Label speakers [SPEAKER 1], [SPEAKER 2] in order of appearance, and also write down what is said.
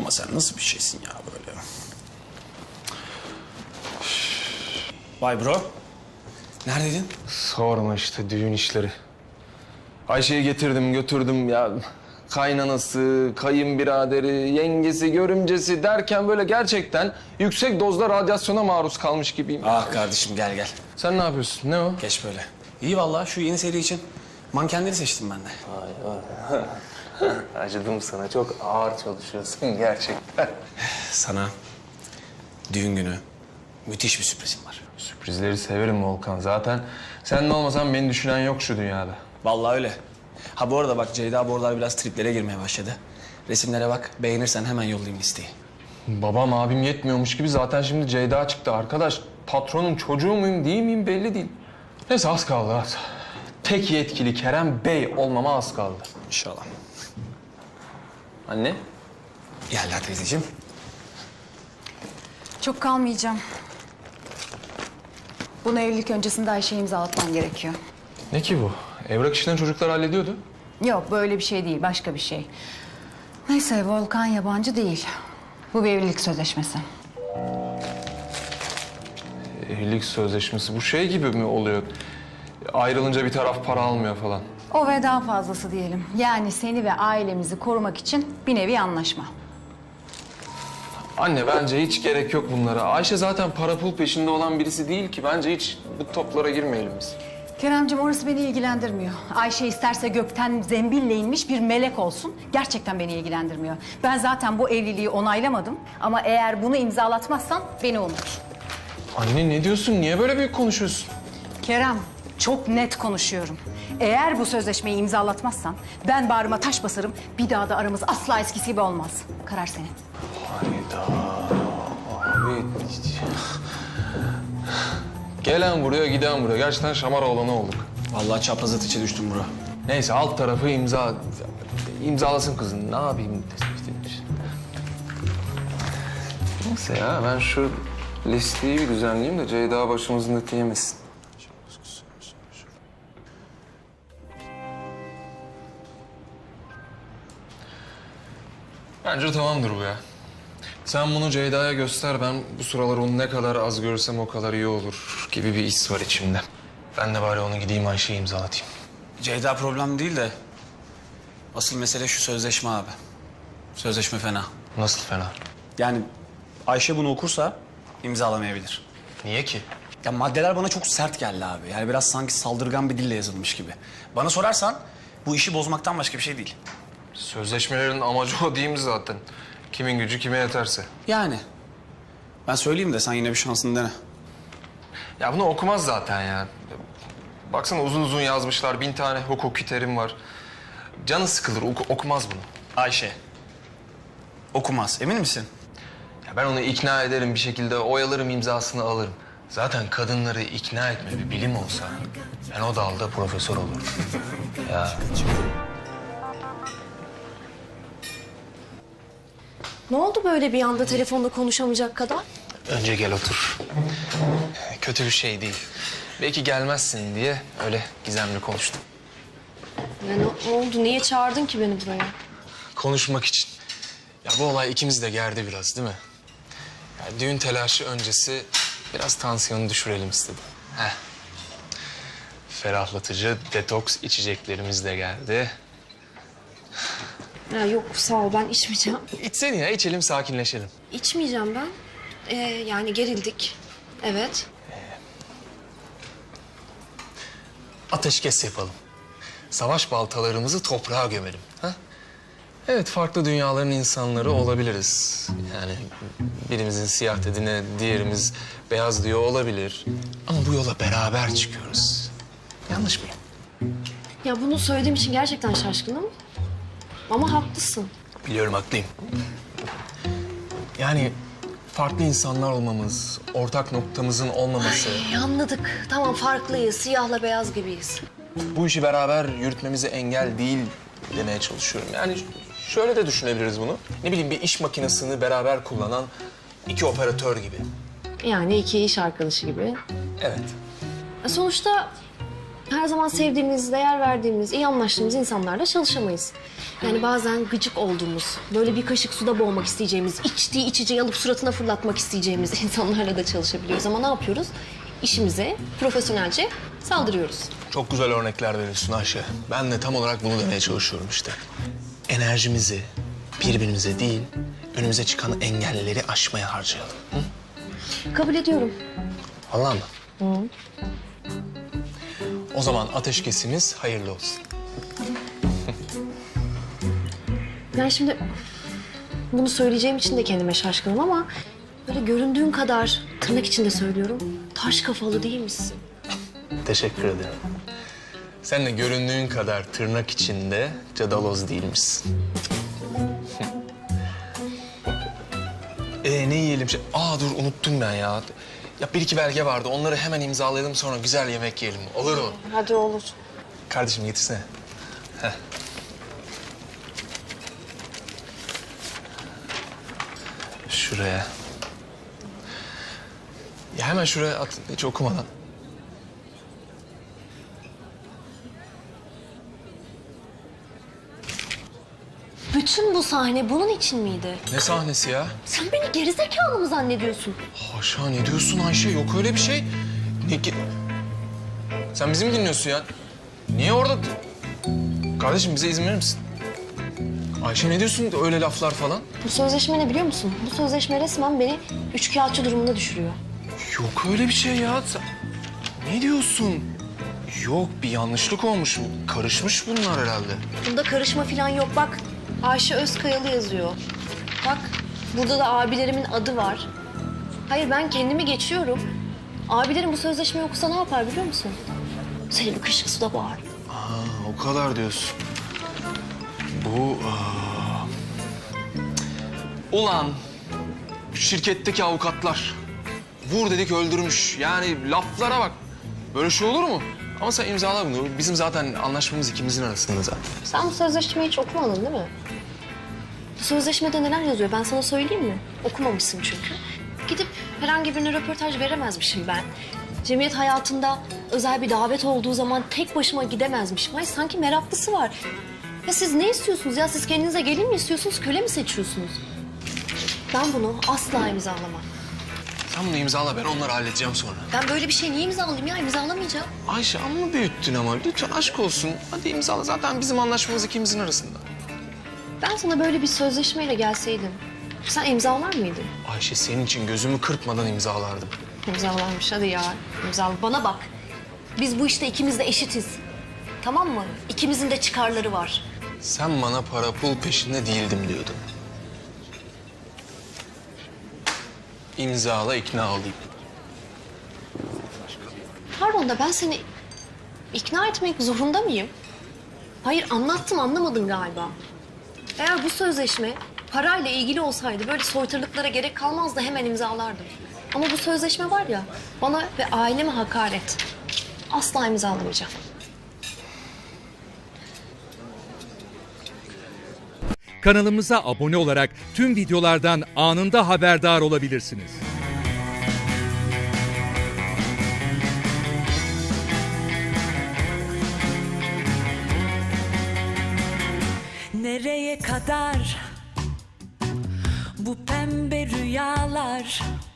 [SPEAKER 1] Ama sen nasıl bir şeysin ya böyle? Vay bro. Neredeydin?
[SPEAKER 2] Sorma işte düğün işleri. Ayşe'yi getirdim götürdüm ya. Kaynanası, kayınbiraderi, yengesi, görümcesi derken böyle gerçekten yüksek dozda radyasyona maruz kalmış gibiyim.
[SPEAKER 1] Ah kardeşim gel gel.
[SPEAKER 2] Sen ne yapıyorsun? Ne o?
[SPEAKER 1] Geç böyle. İyi vallahi şu yeni seri için mankenleri seçtim ben de.
[SPEAKER 2] Acıdım sana. Çok ağır çalışıyorsun gerçekten.
[SPEAKER 1] Sana düğün günü müthiş bir sürprizim var.
[SPEAKER 2] Sürprizleri severim Volkan. Zaten sen de olmasan beni düşünen yok şu dünyada.
[SPEAKER 1] Vallahi öyle. Ha bu arada bak Ceyda bu aralar biraz triplere girmeye başladı. Resimlere bak, beğenirsen hemen yollayayım listeyi.
[SPEAKER 2] Babam abim yetmiyormuş gibi zaten şimdi Ceyda çıktı arkadaş. Patronun çocuğu muyum değil miyim belli değil. Neyse az kaldı az. Tek yetkili Kerem Bey olmama az kaldı.
[SPEAKER 1] İnşallah.
[SPEAKER 2] Anne?
[SPEAKER 1] Gel teyzeciğim.
[SPEAKER 3] Çok kalmayacağım. Bunu evlilik öncesinde Ayşe'ye imzalatman gerekiyor.
[SPEAKER 2] Ne ki bu? Evrak işlerini çocuklar hallediyordu.
[SPEAKER 3] Yok böyle bir şey değil, başka bir şey. Neyse Volkan yabancı değil. Bu bir evlilik sözleşmesi.
[SPEAKER 2] Evlilik sözleşmesi bu şey gibi mi oluyor? Ayrılınca bir taraf para almıyor falan.
[SPEAKER 3] O ve daha fazlası diyelim. Yani seni ve ailemizi korumak için bir nevi anlaşma.
[SPEAKER 2] Anne bence hiç gerek yok bunlara. Ayşe zaten para pul peşinde olan birisi değil ki. Bence hiç bu toplara girmeyelim biz.
[SPEAKER 3] Keremciğim orası beni ilgilendirmiyor. Ayşe isterse gökten zembille inmiş bir melek olsun. Gerçekten beni ilgilendirmiyor. Ben zaten bu evliliği onaylamadım. Ama eğer bunu imzalatmazsan beni unut.
[SPEAKER 2] Anne ne diyorsun? Niye böyle büyük konuşuyorsun?
[SPEAKER 3] Kerem, çok net konuşuyorum. Eğer bu sözleşmeyi imzalatmazsan ben bağrıma taş basarım. Bir daha da aramız asla eskisi gibi olmaz. Karar senin.
[SPEAKER 2] Hayda. Abi. Gelen buraya, giden buraya. Gerçekten şamar oğlanı olduk.
[SPEAKER 1] Vallahi çapraz içe düştüm bro.
[SPEAKER 2] Neyse alt tarafı imzalasın kızın. Ne yapayım? Neyse ya ben şu listeyi bir düzenleyeyim de Ceyda başımızın eti yemesin. Bence tamamdır bu ya. Sen bunu Ceyda'ya göster. Ben bu sıralar onu ne kadar az görsem o kadar iyi olur gibi bir his var içimde. Ben de bari onu gideyim Ayşe'yi imzalatayım.
[SPEAKER 1] Ceyda problem değil de asıl mesele şu sözleşme abi. Sözleşme fena.
[SPEAKER 2] Nasıl fena?
[SPEAKER 1] Yani Ayşe bunu okursa imzalamayabilir.
[SPEAKER 2] Niye ki?
[SPEAKER 1] Ya maddeler bana çok sert geldi abi. Yani biraz sanki saldırgan bir dille yazılmış gibi. Bana sorarsan bu işi bozmaktan başka bir şey değil.
[SPEAKER 2] Sözleşmelerin amacı o değil mi zaten? Kimin gücü kime yeterse.
[SPEAKER 1] Yani ben söyleyeyim de sen yine bir şansını dene.
[SPEAKER 2] Ya bunu okumaz zaten ya. Baksana uzun uzun yazmışlar. 1000 tane hukuki terim var. Canı sıkılır, okumaz bunu.
[SPEAKER 1] Ayşe okumaz. Emin misin?
[SPEAKER 2] Ya ben onu ikna ederim bir şekilde, oyalarım, imzasını alırım. Zaten kadınları ikna etme bir bilim olsa ben o dalda profesör olurum. Ya
[SPEAKER 4] Ne oldu böyle bir anda telefonda konuşamayacak kadar?
[SPEAKER 2] önce gel otur. Kötü bir şey değil. Belki gelmezsin diye öyle gizemli konuştum.
[SPEAKER 4] Ya ne oldu? Niye çağırdın ki beni buraya?
[SPEAKER 2] Konuşmak için. Ya bu olay ikimizi de gerdi biraz değil mi? Ya düğün telaşı öncesi biraz tansiyonu düşürelim istedim. Heh. Ferahlatıcı detoks içeceklerimiz de geldi.
[SPEAKER 4] Ya yok sağ ol ben içmeyeceğim.
[SPEAKER 2] İçsene ya içelim sakinleşelim.
[SPEAKER 4] İçmeyeceğim ben. Yani gerildik. Evet.
[SPEAKER 2] Ateşkes yapalım. Savaş baltalarımızı toprağa gömelim. Ha? Evet farklı dünyaların insanları olabiliriz. Yani birimizin siyah dediğine diğerimiz beyaz diyor olabilir. Ama bu yola beraber çıkıyoruz. Yanlış mıyım?
[SPEAKER 4] Ya bunu söylediğim için gerçekten şaşkınım. Ama haklısın.
[SPEAKER 2] Biliyorum haklıyım. Yani farklı insanlar olmamız, ortak noktamızın olmaması...
[SPEAKER 4] Anladık. Tamam farklıyız. Siyahla beyaz gibiyiz.
[SPEAKER 2] bu işi beraber yürütmemize engel değil demeye çalışıyorum. Yani şöyle de düşünebiliriz bunu. Ne bileyim bir iş makinesini beraber kullanan iki operatör gibi.
[SPEAKER 4] Yani iki iş arkadaşı gibi.
[SPEAKER 2] Evet.
[SPEAKER 4] Sonuçta her zaman sevdiğimiz, değer verdiğimiz, iyi anlaştığımız insanlarla çalışamayız. Yani bazen gıcık olduğumuz, böyle bir kaşık suda boğmak isteyeceğimiz, içtiği içeceği alıp suratına fırlatmak isteyeceğimiz insanlarla da çalışabiliyoruz. Ama ne yapıyoruz? İşimize profesyonelce saldırıyoruz.
[SPEAKER 2] Çok güzel örnekler veriyorsun Ayşe. Ben de tam olarak bunu demeye çalışıyorum işte. Enerjimizi birbirimize değil, önümüze çıkan engelleri aşmaya harcayalım. Hı?
[SPEAKER 4] Kabul ediyorum.
[SPEAKER 2] Vallahi mı? O zaman ateşkesimiz hayırlı olsun.
[SPEAKER 4] Yani şimdi bunu söyleyeceğim için de kendime şaşkınım ama böyle göründüğün kadar tırnak içinde söylüyorum. Taş kafalı değil misin?
[SPEAKER 2] Teşekkür ederim. Sen de göründüğün kadar tırnak içinde cadaloz değilmişsin. Ne yiyelim? Dur unuttum ben ya. Ya bir iki belge vardı. Onları hemen imzalayalım sonra güzel yemek yiyelim. Olur mu?
[SPEAKER 4] Hadi olur.
[SPEAKER 2] Kardeşim getirsene. Heh. Şuraya. Ya hemen şuraya at hiç okumadan.
[SPEAKER 4] Bütün bu sahne bunun için miydi?
[SPEAKER 2] Ne sahnesi ya?
[SPEAKER 4] Sen beni gerizekalı mı zannediyorsun?
[SPEAKER 2] Haşa ne diyorsun Ayşe? Yok öyle bir şey. Sen bizi mi dinliyorsun ya? Niye orada? Kardeşim bize izin verir misin? Ayşe ne diyorsun öyle laflar falan?
[SPEAKER 4] Bu sözleşme ne biliyor musun? Bu sözleşme resmen beni üçkağıtçı durumuna düşürüyor.
[SPEAKER 2] Yok öyle bir şey ya. Ne diyorsun? Yok bir yanlışlık olmuş. Karışmış bunlar herhalde.
[SPEAKER 4] Bunda karışma falan yok. Bak Ayşe Özkayalı yazıyor. Bak burada da abilerimin adı var. Hayır ben kendimi geçiyorum. Abilerim bu sözleşmeyi okusa ne yapar biliyor musun? Seni bir kaşık suda boğar.
[SPEAKER 2] O kadar diyorsun. Bu... Ulan şirketteki avukatlar vur dedik öldürmüş. Yani laflara bak. Böyle şey olur mu? Ama sen imzala bunu. Bizim zaten anlaşmamız ikimizin arasında zaten.
[SPEAKER 4] Sen bu sözleşmeyi hiç okumadın değil mi? Bu sözleşmede neler yazıyor ben sana söyleyeyim mi? Okumamışsın çünkü. Gidip herhangi birine röportaj veremezmişim ben. Cemiyet hayatında özel bir davet olduğu zaman tek başıma gidemezmişim. Hayır sanki meraklısı var. Ya siz ne istiyorsunuz ya? Siz kendinize gelin mi istiyorsunuz, köle mi seçiyorsunuz? Ben bunu asla imzalamam.
[SPEAKER 2] Sen bunu imzala ben onları halledeceğim sonra.
[SPEAKER 4] Ben böyle bir şey niye imzalayayım ya? İmzalamayacağım.
[SPEAKER 2] Ayşe amma büyüttün ama. Lütfen aşk olsun. Hadi imzala. Zaten bizim anlaşmamız ikimizin arasında.
[SPEAKER 4] Ben sana böyle bir sözleşmeyle gelseydim, sen imzalar mıydın?
[SPEAKER 2] Ayşe senin için gözümü kırpmadan imzalardım.
[SPEAKER 4] İmzalarmış hadi ya. İmzala. Bana bak. Biz bu işte ikimiz de eşitiz. Tamam mı? İkimizin de çıkarları var.
[SPEAKER 2] Sen bana para pul peşinde değildim diyordun. İmzala ikna olayım.
[SPEAKER 4] Pardon da ben seni ikna etmek zorunda mıyım? Hayır anlattım anlamadın galiba. Eğer bu sözleşme parayla ilgili olsaydı böyle soytarılıklara gerek kalmazdı hemen imzalardım. Ama bu sözleşme var ya bana ve aileme hakaret. Asla imzalamayacağım.
[SPEAKER 5] Kanalımıza abone olarak tüm videolardan anında haberdar olabilirsiniz.
[SPEAKER 6] Nereye kadar bu pembe rüyalar?